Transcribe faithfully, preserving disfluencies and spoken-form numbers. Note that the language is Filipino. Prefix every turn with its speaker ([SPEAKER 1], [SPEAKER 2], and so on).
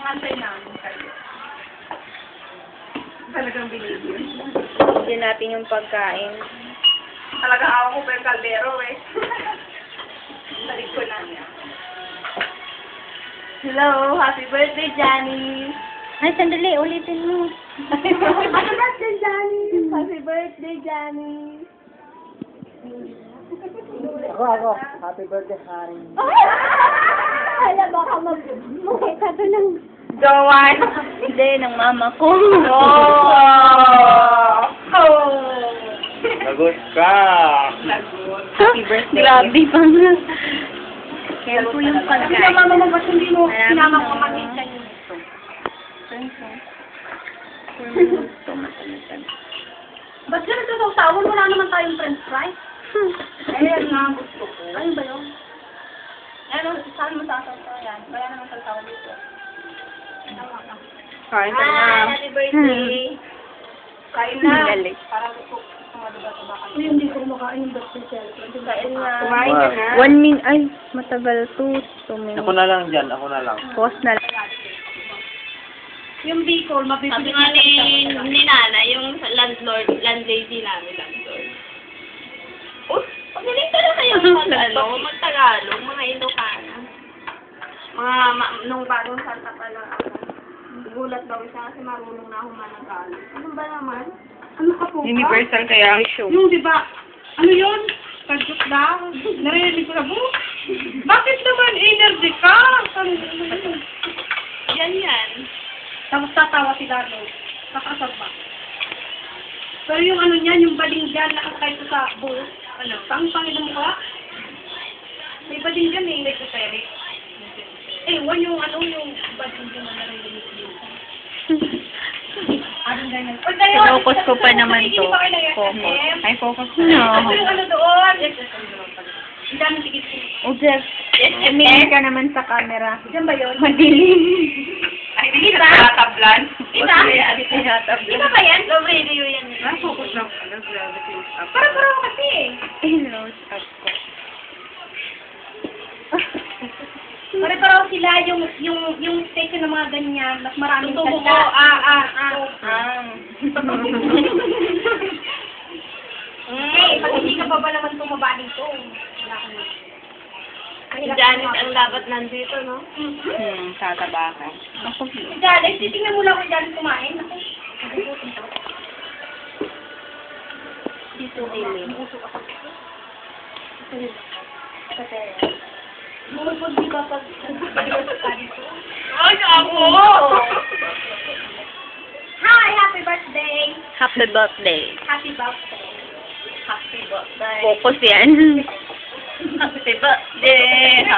[SPEAKER 1] antay namin kayo. Talagang binigyan.
[SPEAKER 2] Hindi natin yung pagkain.
[SPEAKER 1] Talagang awa ko pa yung kaldero eh. Balik ko na niya.
[SPEAKER 2] Hello, happy birthday, Johnny. Ay, sandali, ulitin mo.
[SPEAKER 1] Happy birthday, Johnny!
[SPEAKER 2] Happy birthday, Johnny.
[SPEAKER 3] Ako, ako. Happy birthday, honey.
[SPEAKER 2] Hala, baka mag-mukita to ng...
[SPEAKER 1] Jowan!
[SPEAKER 2] Hindi, ng mama ko.
[SPEAKER 1] Oh! Oh!
[SPEAKER 3] Lagot ka!
[SPEAKER 1] Lagot.
[SPEAKER 2] Happy birthday. Grabe pa nga. Kaya po yung
[SPEAKER 1] Sabi
[SPEAKER 2] pagkain.
[SPEAKER 1] sa mama mo, ba't hindi mo
[SPEAKER 2] Marami
[SPEAKER 1] sinama
[SPEAKER 2] na-
[SPEAKER 1] ko mag-isa nito?
[SPEAKER 2] Four minutes to matalitan.
[SPEAKER 1] Ba't yan nagsasawan? Wala naman tayong french fries. Ayan nga, gusto ko. Ayun ba yun? Ano, saan mo sasawa yan? Wala naman sasawa dito. Tama ka.
[SPEAKER 2] Kain ka na.
[SPEAKER 1] Hi, happy birthday. Kain na.
[SPEAKER 2] Galing.
[SPEAKER 1] Para gusto ko madiba-diba ka. Hindi ko kumakain yung birthday celebrant. Kain na.
[SPEAKER 3] Kumain ka na.
[SPEAKER 2] One minute. Ay, matagal to. Two minutes.
[SPEAKER 3] Ako na lang dyan, ako na lang.
[SPEAKER 2] Pause na lang.
[SPEAKER 1] Yung Bicol, mabibili
[SPEAKER 4] Sabi nga ni, ni Nana, yung landlord, landlady namin, landlord. Oh, paglalita na kayo mag, ano, mag-Tagalog, mga Ilocana.
[SPEAKER 1] Mga, ma, nung bagong salta pa lang ako. Gulat daw siya kasi marunong na ako mananggalan. Ano ba naman? Ano ka po ba?
[SPEAKER 2] kaya ang show.
[SPEAKER 1] Yung di ba, ano yun? Kadyot daw. Narinig ko na po. Bakit naman energy ka?
[SPEAKER 4] Yan yan.
[SPEAKER 1] Tapos tatawa si Dano. Kakasab ba? Pero yung ano niyan, yung baling dyan, nakakay ko sa buhok. Ano? Saan pangin mo ka? May baling dyan eh. Like sa Eric. Eh, wala yung ano, yung baling dyan na narinig yun. Anong ganyan? O, tayo,
[SPEAKER 2] Focus ko pa naman to.
[SPEAKER 1] Hindi pa kayo
[SPEAKER 2] Focus.
[SPEAKER 1] Ay,
[SPEAKER 2] focus
[SPEAKER 1] Ano yung ano doon? Ang dami tigit.
[SPEAKER 2] O, Jeff. Tumingin ka naman sa camera.
[SPEAKER 1] Diyan ba yun?
[SPEAKER 2] Madilim.
[SPEAKER 1] Ay, hindi kita tatablan.
[SPEAKER 4] Kita?
[SPEAKER 2] Tinatabla.
[SPEAKER 4] Kita ba yan? Low radio yan.
[SPEAKER 1] Ah, focus lang. Para-para ako kasi eh.
[SPEAKER 2] Close up ko.
[SPEAKER 1] Pare-pareho sila yung yung yung station ng mga ganyan, mas maraming
[SPEAKER 4] Tutubo
[SPEAKER 1] salita.
[SPEAKER 4] ko. Ah, ah, ah.
[SPEAKER 2] Ah.
[SPEAKER 1] Eh, pag hindi ka pa ba naman tumaba dito? Wala ka na.
[SPEAKER 4] Si Janet ang dapat nandito, no?
[SPEAKER 2] Hmm, tataba ka. Ako,
[SPEAKER 1] Si Janet, titingnan mo lang kung Janet kumain. Ako, nagugutom to.
[SPEAKER 2] dito dilim.
[SPEAKER 1] Kasi, bumupod di ba pag nagpapaliwas ka dito?
[SPEAKER 4] Ay, ako!
[SPEAKER 1] Hi! Happy birthday!
[SPEAKER 2] Happy birthday.
[SPEAKER 1] Happy birthday!
[SPEAKER 4] Happy birthday.
[SPEAKER 2] Focus yan.
[SPEAKER 4] Happy birthday.